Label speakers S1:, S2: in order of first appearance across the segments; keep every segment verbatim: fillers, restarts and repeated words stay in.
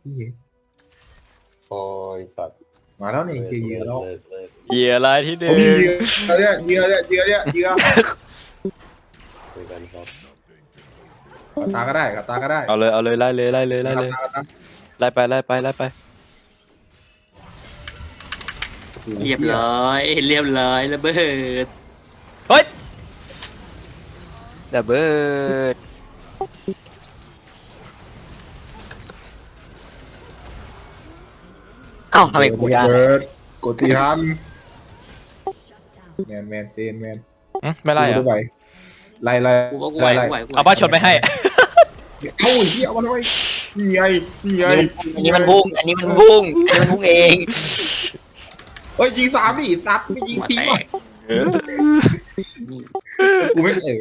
S1: โอ้ยสัตว์
S2: มาแล้วนี่คือเหยื่อแล้ว
S3: เหยื่ออะไรที่หนึ่
S2: โอ้
S3: ง
S2: ยเหยื่อเนี่ยเหยื่อเนี่ยเหยื่อเนี่ยเหยื่อ
S1: คุยกันครับ
S2: กับตาก็ได้กับตาก็ได้
S3: เอาเลยเอาเลยไล่เลยไล่เลยไล่เลย
S2: กับตากับตา
S3: ไล่ไปไล่ไปไล่ไป
S4: เรียบร้อยเรียบร้อยระเบิด
S3: เฮ้ยระเบิดเอ้าทำไมกูยาก
S2: เปิดกดตีทันแมนแมนเตนแมน
S3: ไม่ไล่เหรอ
S2: ไปไล่ไล่
S4: กูว่ากูไหว
S2: ไล่
S4: กูไหวกูไหว
S3: เอาบ้าชนไปให้
S2: เอ้าเหี้ยเอามาทำไมนี่ไงนี่ไง
S5: อันนี้มันพุ่ง อันนี้มันพุ่ง อันนี้มันพุ่งเอง
S2: เฮ้ยยิงสามดิซัดไม่ยิง
S4: มา
S2: ทิ้ง
S4: แต
S2: ว่ะ
S4: ก
S2: กูไม่เอ๋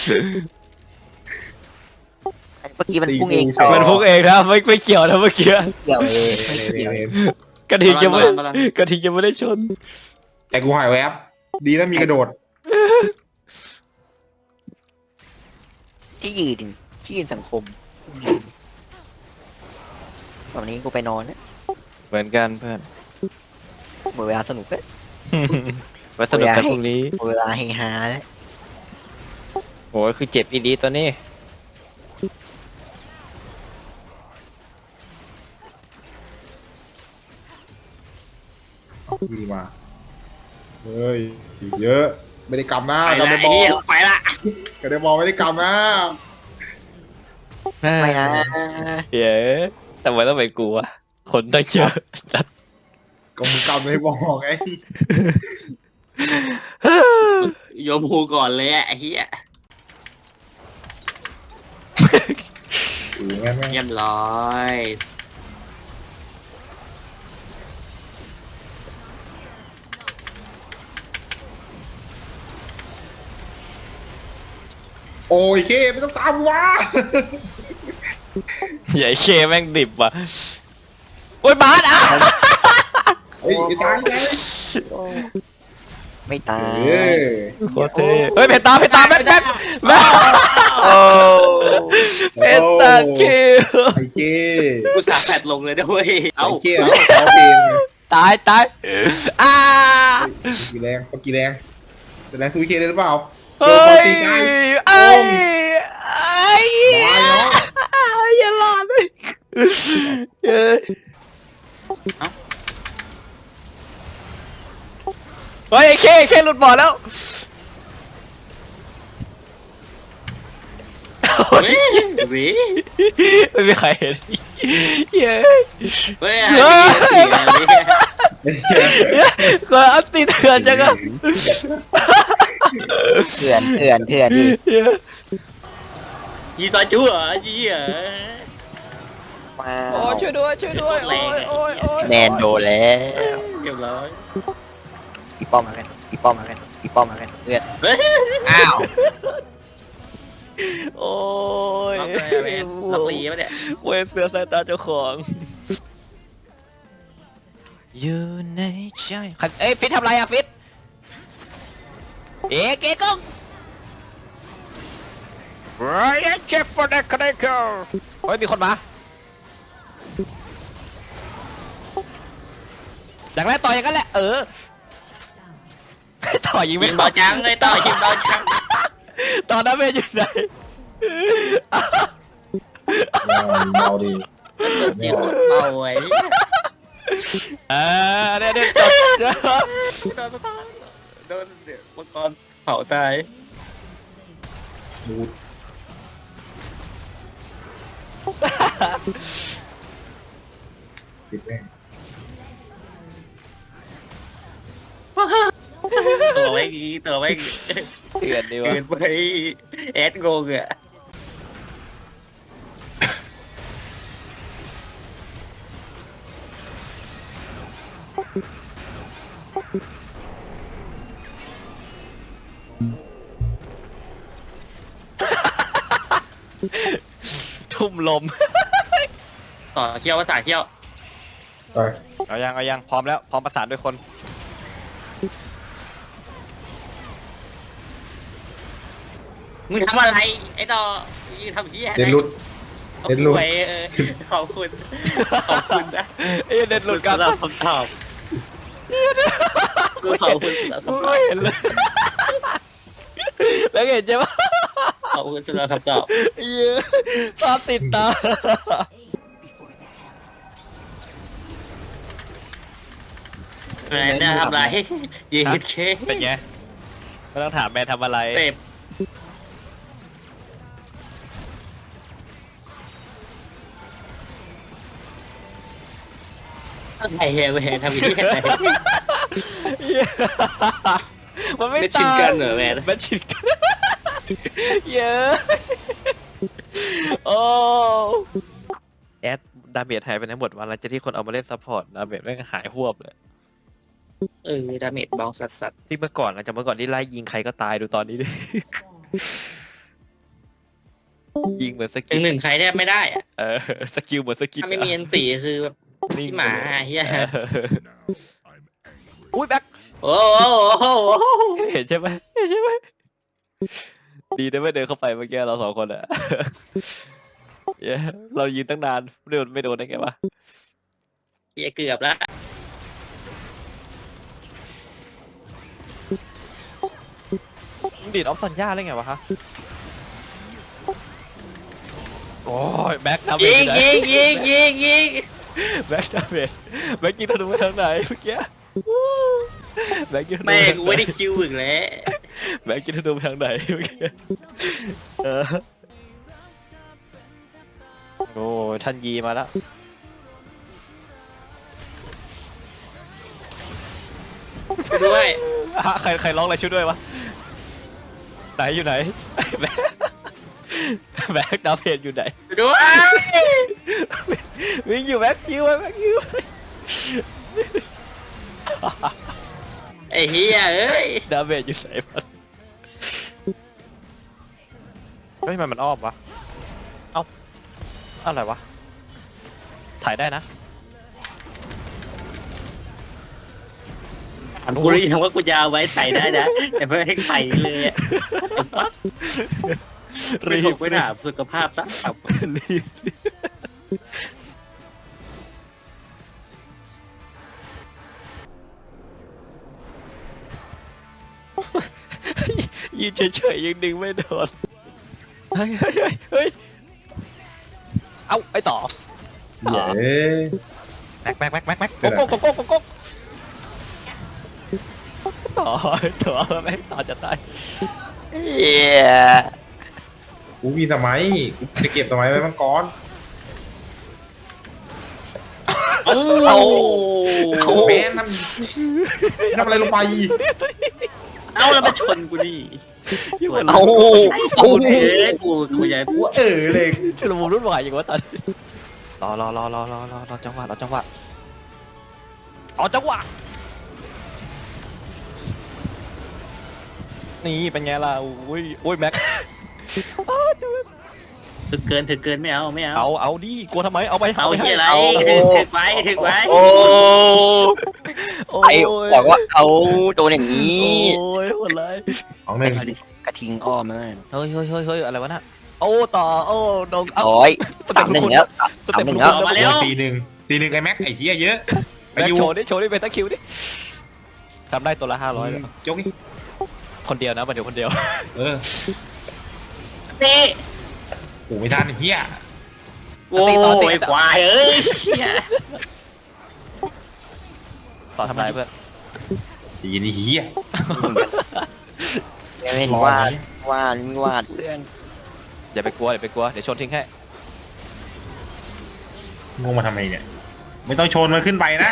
S5: เมื่อกี้มันพุ่งเอง
S2: ตีกู
S3: มันพุ่งเองนะไม่ไม่เกี่ยวนะเมื่อกี้
S5: เกี่ยวเลย
S3: กระทิงยังไม่กระทิงยังไม่ได้ชน
S2: แต่กูหายแวบดีนะมีกระโดด
S5: ที่ยืนที่ยืนสังคมตอนนี้กูไปนอนนะ
S3: เหมือนกันเพื่อน
S5: หมดเวลาสนุกแล้ว
S3: ไว้สนุกกันพรุ่งนี้
S5: หมดเวลาเฮฮาแล้ว
S3: โอ้ยคือเจ็บอีดีตัวนี้
S2: ดีมาเฮ้ยเยอะไม่ได้กำนะ
S4: ไป
S2: กำ
S4: ละ
S2: ได้
S4: ไอ้
S2: บอ
S4: เหี้ย
S2: ล
S4: ไปละ
S2: กำได้บอลไม่ได้กำนะ
S5: ไม่นะ
S3: เย้แต่ว่าต้องไปกลัวคนต้องเยอะ
S2: ก็มึงกำไม่บอลไง
S4: โยมฮูก่อนเลยอะไอ้เหี้ย
S2: อือแม่งแม่ง
S4: เรียบร้อย
S2: โอ้ยเคไม่ต้องตามวะ
S3: ใหญ่เคแม่งดิบว่ะโอ้ยบาสอ่ะ
S2: เฮ้ยไอ้ตายไง
S5: ไม่ตาย
S2: เฮ้ย
S3: โคตรเท่เฮ้ยเพตาเพตาแม่แม่แม่
S5: โอ้
S3: เพตาคิว
S2: ไอ้เค
S4: กูสาแฟดลงเลยด้วย
S2: ไอ้
S4: เอ้า
S2: เคเอาเอาเพลง
S3: ตายตายอ่า
S2: กี่แรงกี่แรงแต่แรงคือเคได้หรือเปล่า
S3: เฮ้ยไอ้ไอ้อย่าหลอดเลยเฮ้ยเฮ้ยไอ้เคเคหลุดบ่อแล้ว
S4: เฮ้ยเว้ย
S3: ไม่มีใครเห็นเย้
S4: เฮ้ยไอ้เหี้ย
S3: ก็อัพตีเถื่อนจังอะ
S5: เถื่อนเถื่อนเถื่อนดิ
S4: ยีซอยจู้เหรอยีเหรอ
S5: มา
S3: โอ้ช่วยด้วยช่วยด้วยโอ้ยโอ้ยโอ้ย
S5: แมนโดนแล้ว
S4: เรียบร้อย
S5: อีป้อมมากันอีป้อมมากันอีป้อมมากันเพื่อน
S4: เฮ้ย
S5: อ้าว
S3: โอ้ย
S4: ล็อกเลยอะเว้ยล็อกลีปะเนี่ย
S3: เวยเสือสายตาเจ้าของอยู่ในใจเอ้ยฟิตทำไรอะฟิตเอ๊ะเก๋ก้องไรเชฟฟอร์ดคาเดเคิลเฮ้ยมีคนมาอย่างแรกต่อยอย่างนั้นแหละเออต่อยยิง
S4: ยิ
S3: ไม่
S4: ง
S3: เข้า
S4: เบาจังเลยต่อยิงเบาจัง
S3: ตอนนั้นเมย์อยู่ไหน
S2: เมาดี
S4: จิ๋วเบาไว้
S3: อ่าเนี่ยเนี่ยจบ
S4: โดนเดี๋ยวมังกรเผาตาย
S2: บูดปิดแม่ง
S4: ตัวไว้กี่ตัวไว้กี่
S3: เถื่อนดีวะ
S4: เกินไปแอดงงอ่ะ
S3: ทุ่มลม
S4: ต่อเขี้ยวภาษาเขี้ยว
S2: ไป
S3: เอายังเอายังพร้อมแล้วพร้อมประสานด้วยคน
S4: มึงทำอะไรไอ้ต่อมึงทำเหี้ยอะไร
S2: เดนรุดเล่นลูก
S4: ไว้เออขอบคุณขอบคุณนะ
S3: ไอ้เน็ตหลุดกัน
S4: สำหรับคำตอบกูขอบคุณสำหรับ
S3: กู
S4: คำตอบ
S3: ไม่เห็นเลยแล้วเห็นใช่ปะ
S4: ขอบคุณสำหรับคำตอบ
S3: เหี้ยตาติดตา
S4: แมนจะทำไรยืดเค
S3: เป็นไงไม่ต้องถามแม่ทำอะไร
S4: เต็บอะไรเฮียแมนทำที่ไหน
S3: มันไม่
S4: ไม่ชิน
S3: ตาย
S4: กันเหรอแมน
S3: ไม่ชินกันเยอะโอ้แอดดาเมจหายไปไหนหมดวันหลังจากที่คนเอามาเล่นซัพพอร์ตดาเมจแม่งหายหวบเลย
S4: เออดาเมจเบาสัสสัส
S3: ที่เมื่อก่อนนะจากเมื่อก่อนที่ไล่ยิงใครก็ตายดูตอนนี้ดิ ยิงเหมือนส
S4: ถึ
S3: กิ
S4: ง
S3: ล
S4: หนึ่งใครแทบไม่ได้อะ
S3: เออสกิลเหมือนสกิล
S4: ถ้าไม่มีอันตีคือแบบที่หมาเฮีย
S3: เอออุ้ยแบ็ค
S4: โอ้โห
S3: เห็นใช่ไหมเห็นใช่ไหมดีนะไม่เดินเข้าไปเมื่อกี้เราสองคนอะ เย้เรายืนตั้งนานไม่โดนไม่โดนได้ไงวะ
S4: เฮียเกือบแล้ว
S3: มึงดีดออฟซันย่าได้ไงวะฮะโอ้ยแบ็คดาเม
S4: ยิ
S3: จ
S4: งยิงยิงยิงยิง
S3: แบ็คดาเมจแบ็คยิงธนูไปทางไหนเมื่อกี้แบ็คยิงธนู
S4: แม่กู
S3: ไป
S4: ไม่
S3: ทางไหน
S4: ได้คิวอีกแล้ว
S3: แบ็คยิงธนูไปทางไหนเมื่อกี้เออโอ้ยท่านยีมาแล้ว
S4: ไปด้วย
S3: ฮะใครใครร้องอะไรช่วยด้วยวะไหนอยู่ไหนแบ็คแบ็คดาเมจอยู่ไหน
S4: ไปด้วย
S3: วิ่งอยู่แบ็คยิวไว้แบ็คยิว
S4: ไอ้เฮียเอ้ย
S3: ดาเมจอยู่ไหนมันเฮ้ยมันมันอ้อมวะเอ้าอะไรวะถ่ายได้นะ
S4: กูรู้ยังว่ากูจะเอาไว้ใส่ได้นะแต่ไม่ให้ใส่เลยอะรี
S3: รี
S4: บบ ไปถามสุขภาพซะครับ
S3: รีบยืนเฉยๆยังดึงไม่โดนเฮ้ยเฮ้ยเฮ้ยเฮ้ยเอ้าไอ้ต่อ
S2: เย้
S3: แม็กแม็กแม็กแม็กแม็กโก๊กโก๊กโก๊กโก๊กโก๊กต่อต่อแม็กต่อจะตาย
S5: เฮีย
S2: กูมีสมัยกูจะเก็บสมัยไว้มังกร
S4: โอ้
S2: แม่ทำทำอะไรลงไป
S4: เอาแล้วมาชนกูดิ
S3: อยู่บน
S5: เอา
S4: เอาเอ้ยกูกูใหญ่
S2: กูเออเลย
S3: ชุลมุนรุ่นวายอย่างวะตอนนี้รอรอรอรอรอรอรอจังหวะรอจังหวะเอาจังหวะนี่เป็นไงล่ะอุ้ยอุ้ยแม็ก
S4: ถึงเกินถึงเกินไม่เอาไม่เอา
S3: เอาเอาดิกลัวทำไมเอาไป
S4: เอา
S3: ไป
S4: ที่อะไร
S3: เอา
S4: ถึงไว้ถึงไว้
S5: โอ้
S3: โอ้
S5: ไอ้บอกว่าเอาโดนอย่างนี้
S3: โอ้ยคนไร
S2: ของหนึ่ง
S5: กระทิงอ้อมเลย
S3: เฮ้ยเฮ้ยเฮ้ยเฮ้ยอะไรวะน่ะโอ้ต่อโอ้ดงเอา
S5: โอ้ยสามหนึ่งแล้วสามหนึ่งแล้ว
S4: มาแล้ว
S2: ตีหนึ่งตีหนึ่งไอ้แม็กไอ้เหี้ยเยอะไป
S3: แม็ก
S2: อยู่
S3: โชว์ดิโชว์ดิเป็นตะคิวดิทำได้ตัวละห้าร้อย
S2: ยกนี่
S3: คนเดียวนะมาเดี๋ยวคนเดียว
S2: เออ
S4: นี่
S2: โอ้ไม่ทันไอ้เหี้ย
S4: โอ้ยควายเอ้ยเชี่ย
S3: ต่อทำไรเพื่อน
S2: ตีนี่เหี้ย
S5: เล่นวาดวาดวาดเพื่อน
S3: อย่าไปกลัวอย่าไปกลัวเดี๋ยวชนทิ้งให้
S2: งงมาทำไมเนี่ยไม่ต้องชนมันขึ้นไปนะ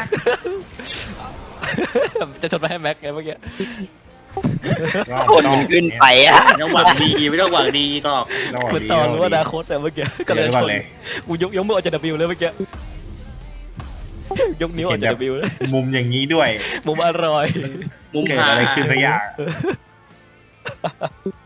S3: จะชนไปให้แม็กไงเมื่อกี้
S5: คนมันขึ้นไปอ่ะ
S4: ไม่ต้องหวังดีไม่ต้องหวังดีก็
S3: เหมือนต่อรู้อนาคตแต่เมื่อกี้ก็เลยชนกูยกยกมือออกจาก W เลยเมื่อกี้ยกนิ้วออกจาก W เลย
S2: มุมอย่างนี้ด้วย
S3: มุมอร่อย
S4: มุม
S2: เกิด
S4: หา
S2: อะไรขึ้นสักอย่าง